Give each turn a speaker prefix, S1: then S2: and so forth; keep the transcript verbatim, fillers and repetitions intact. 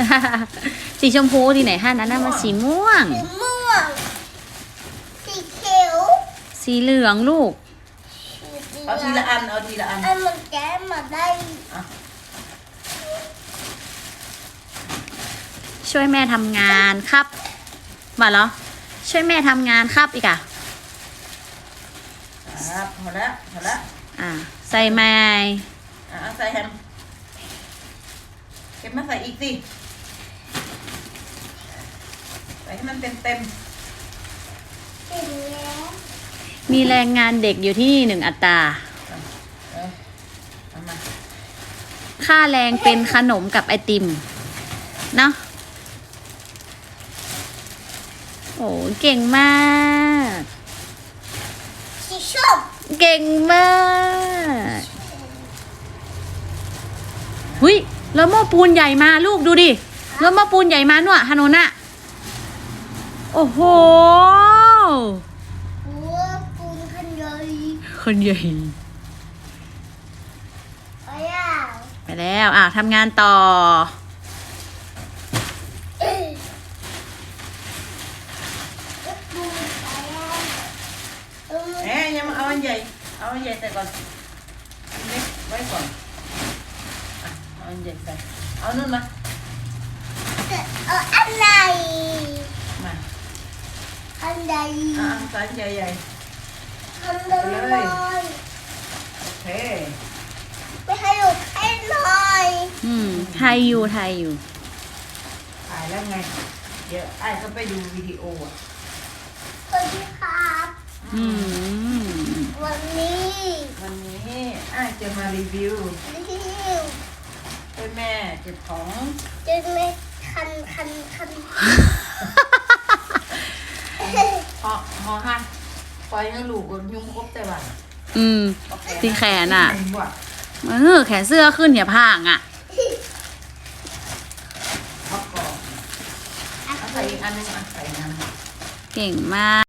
S1: สีชมพูที่ไหนฮะนั้นน่ะมันสีม่วง
S2: สีม่วงสีเขียว
S1: สีเหลืองลูก
S3: เอาทีละอันเอาทีละอัน
S2: อันมันแก้มาได้
S1: ช่วยแม่ทำงานครับมาเหรอช่วยแม่ทำงานครับอีกอ่ะ
S3: ครับหมดแล้วหมดแล้ว
S1: อ่าใส่ไม้
S3: อ่ะใส่แฮมเก็บมาใส่อีกสิใส่ให้มันเต็มเต็ม
S2: สีแล้ว
S1: มีแรงงานเด็กอยู่ที่นี่หนึ่งอัตรา
S3: เออเอามา
S1: ค่าแรงเป็นขนมกับไอติมเนาะโอ้เก่งมาก
S2: สีส้ม
S1: เก่งมากหุยแล้วหม้อปูนใหญ่มาลูกดูดิแล้วหม้อปูนใหญ่มาหน่ะฮานนน่ะโอ้โห
S2: หัวปูนขันใหญ่
S1: คนใหญ่
S2: ไปอ่ะ
S1: ไปแล้วอ่ะทำงานต่อ
S2: ปูนไปอ่ะอืม
S3: แหมยังมาเอาอันใหญ่เอาอันใหญ่ใส่ก่อนอันเล็กไว้ก่อนอ่ะเอาอันใหญ่ใส่เอานู่นมา
S2: เอาอันไหน
S3: มา
S2: อันใด
S3: อ่ะเอาใส่ใหญ่ใหญ่
S2: อันใดเลย
S3: ๆโอเค
S2: ไม่ให้ลูกให้หน่อย
S1: อืมไทยอยู่ไทยอยู่
S3: ถ่ายแล้วไงเดี๋ยวไอ้ก็ไปดูวิดีโออ่ะ
S2: สวัสดีครับ
S1: อืม
S2: วันนี้
S3: วันนี้ไอ้จะมารีวิว
S2: รีวิว
S3: ให้แม่เก็บของ
S2: จะไม่คันคันคัน
S3: หอหอหักปล่อยให้ลูกบนยุ่งครบแต่ว่า
S1: อืม ที่แขนอ่ะ
S3: เห็นบ่
S1: เออแขนเสื้อขึ้นอย่าพ่างอ่ะ
S3: เอาก่อนเอาใส่อีกอันหนึงอ่ะใส่น้ำ
S1: เก่งมาก